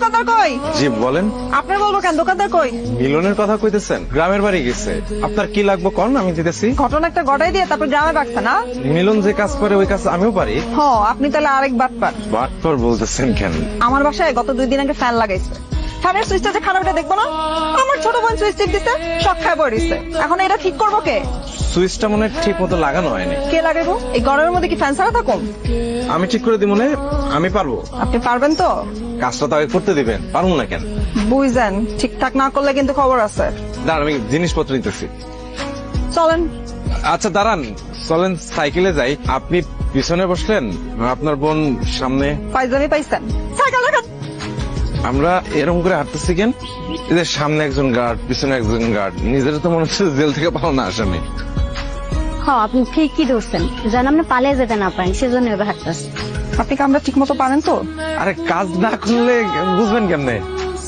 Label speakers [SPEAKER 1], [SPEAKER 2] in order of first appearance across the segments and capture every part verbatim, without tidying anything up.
[SPEAKER 1] দোকানদার কই?
[SPEAKER 2] জি বলেন।
[SPEAKER 1] আপনার বলবো কেন, দোকানদার কই?
[SPEAKER 2] মিলনের কথা কইতেছেন? গ্রামের বাড়ি গেছে। আপনার কি লাগবে কোন, আমি দিতেছি।
[SPEAKER 1] ঘটনা একটা গড়াই দিয়ে তারপর গ্রামে রাখছে না?
[SPEAKER 2] মিলন যে কাজ করে ওই কাজ আমিও পারি।
[SPEAKER 1] হ, আপনি তাহলে আরেক বাটপার।
[SPEAKER 2] বাটপার বলতেছেন কেন?
[SPEAKER 1] আমার বাসায় গত দুই দিন আগে ফ্যান লাগাইছে, ফ্যানের সুইচটা যে খারাপটা দেখবো না? আমার ছোট বোন সুইচ টিপ দিতে শখ খায় পড়িছে। এখন এটা ঠিক করবো কে?
[SPEAKER 2] সুইচটা মনে হয় ঠিক মতো লাগানো হয়নি।
[SPEAKER 1] কে লাগাবো? এই গরমের মধ্যে কি ফ্যান ছাড়া থাকুন?
[SPEAKER 2] আমি ঠিক করে দিব, মনে আমি পারবো।
[SPEAKER 1] আপনি পারবেন তো?
[SPEAKER 2] কাজটা তো আগে করতে দিবেন। পারবো না কেন?
[SPEAKER 1] বুঝছেন, ঠিকঠাক না করলে কিন্তু খবর আছে।
[SPEAKER 2] দাঁড়ান, আমি জিনিসপত্র নিতেছি।
[SPEAKER 1] চলেন।
[SPEAKER 2] আচ্ছা দাঁড়ান, চলেন সাইকেলে যাই। আপনি পিছনে বসলেন, আপনার বোন সামনে।
[SPEAKER 1] পাইজামি পাইছেন, সাইকেল রাখান।
[SPEAKER 2] আমরা এরকম করে হাঁটতেছি কেন? এদের সামনে একজন গার্ড, পিছনে একজন গার্ড। নিজের তো মনে হচ্ছে জেল থেকে পালানো আসামি।
[SPEAKER 3] হ্যাঁ, আপনি ঠিকই ধরছেন, যেন আপনি পালিয়ে যেতে না পারেন, সেজন্য এবার হাঁটতেছি।
[SPEAKER 1] আপনি কি আমরা ঠিক মতো পারেন তো?
[SPEAKER 2] আরে কাজ না করলে বুঝবেন কেমনে?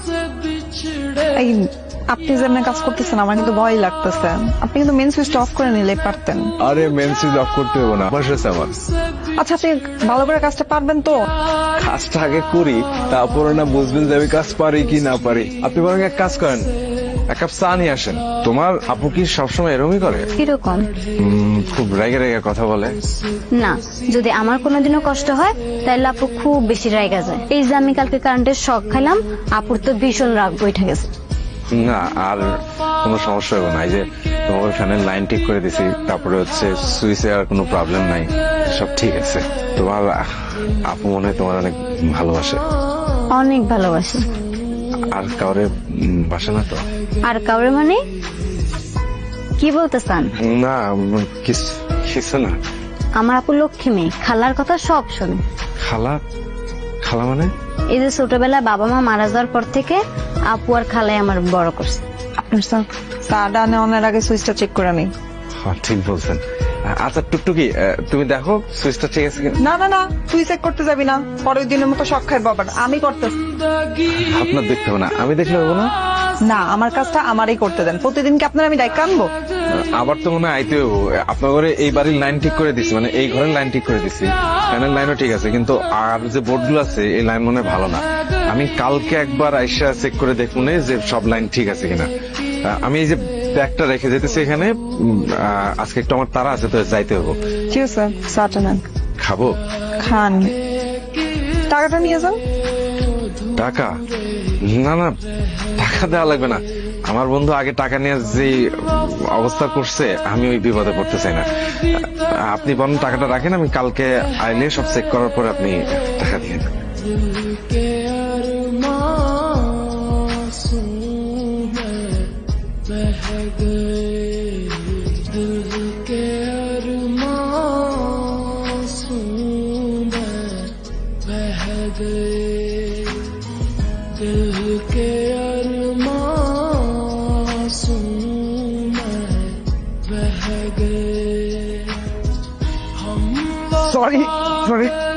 [SPEAKER 1] এই আপনি যেমন কাজ করতেছেন আমার কিন্তু ভয় লাগতেছে। আপনি কিন্তু মেন সুইচটা অফ করে নিলে পারতেন।
[SPEAKER 2] আরে মেন সুইচ অফ করতে হবে না, বসে আমার।
[SPEAKER 1] আচ্ছা, আপনি ভালো করে কাজটা পারবেন তো?
[SPEAKER 2] কাজটা আগে করি, তারপরে না বুঝবেন যে আমি কাজ পারি কি না পারি। আপনি বরং এক কাজ করেন, এক কাপ চা নিয়ে আসেন। তোমার আপু কি সবসময় এরকমই করে?
[SPEAKER 3] কিরকম?
[SPEAKER 2] উম, খুব রেগে রেগে কথা বলে।
[SPEAKER 3] না, যদি আমার কোনোদিনও কষ্ট হয় তাহলে আপু খুব বেশি রাইগা যায়। এই যে আমি কালকে কারেন্টের শক খাইলাম, আপুর তো ভীষণ রাগ বইঠা গেছে।
[SPEAKER 2] না, আর কোনো সমস্যা হবে না। এই যে তোমার ফ্যানের লাইন ঠিক করে দিছি, তারপরে হচ্ছে সুইচে আর কোনো প্রবলেম নাই, সব ঠিক আছে। তোমার আপু মনে হয় তোমার অনেক ভালোবাসে।
[SPEAKER 3] অনেক ভালোবাসি।
[SPEAKER 2] আর কাউরে উম, বাসে না তো?
[SPEAKER 3] আর কাউরে মানে কি বলতে চান?
[SPEAKER 2] না, কিছু কিছু না।
[SPEAKER 3] আমার আপু লক্ষ্মী মেয়ে, খালার কথা সব শোনে।
[SPEAKER 2] খালা? খালা মানে?
[SPEAKER 3] এই যে ছোটবেলায় বাবা মা মারা যাওয়ার পর থেকে আপু আর খালাই আমার বড় করছে।
[SPEAKER 1] আপনার স্যার চাটা নেওয়ার আগে সুইচটা চেক করে নিই।
[SPEAKER 2] হ্যাঁ, ঠিক বলছেন। আচ্ছা টুকটুকি, তুমি দেখো সুইচটা ঠিক আছে কিনা।
[SPEAKER 1] না না না, তুই চেক করতে যাবি না, পরের দিনের মতো শখ খায় বাবার। আমি করতেছি।
[SPEAKER 2] আপনার দেখতে হবে না, আমি দেখলে হবো না?
[SPEAKER 1] না, আমার কাজটা আমারই করতে দেন। প্রতিদিন কি আপনার আমি দায়িত্ব আনবো?
[SPEAKER 2] আবার তো মনে হয় আইতে হবো। আপনার ঘরে এই বাড়ির লাইন ঠিক করে দিছি, মানে এই ঘরের লাইন ঠিক করে দিছি, ফ্যানের লাইনও ঠিক আছে, কিন্তু আর যে বোর্ডগুলো আছে এই লাইন মনে হয় ভালো না। আমি কালকে একবার আইসা চেক করে দেখবো না যে সব লাইন ঠিক আছে কিনা। আমি এই যে ব্যাগটা রেখে যেতেছি এখানে, উম, আহ, আজকে একটু আমার তারা আছে তো যাইতে হবো।
[SPEAKER 1] ঠিক আছে, চাটা নেন।
[SPEAKER 2] খাবো?
[SPEAKER 1] খান। টাকাটা নিয়ে যান।
[SPEAKER 2] টাকা? না না, টাকা দেওয়া লাগবে না। আমার বন্ধু আগে টাকা নিয়ে যে অবস্থা করছে, আমি ওই বিপদে পড়তে চাই না। আপনি বরং টাকাটা রাখেন, আমি কালকে আইলে সব চেক করার পর আপনি টাকা দিয়ে দেন। Sorry sorry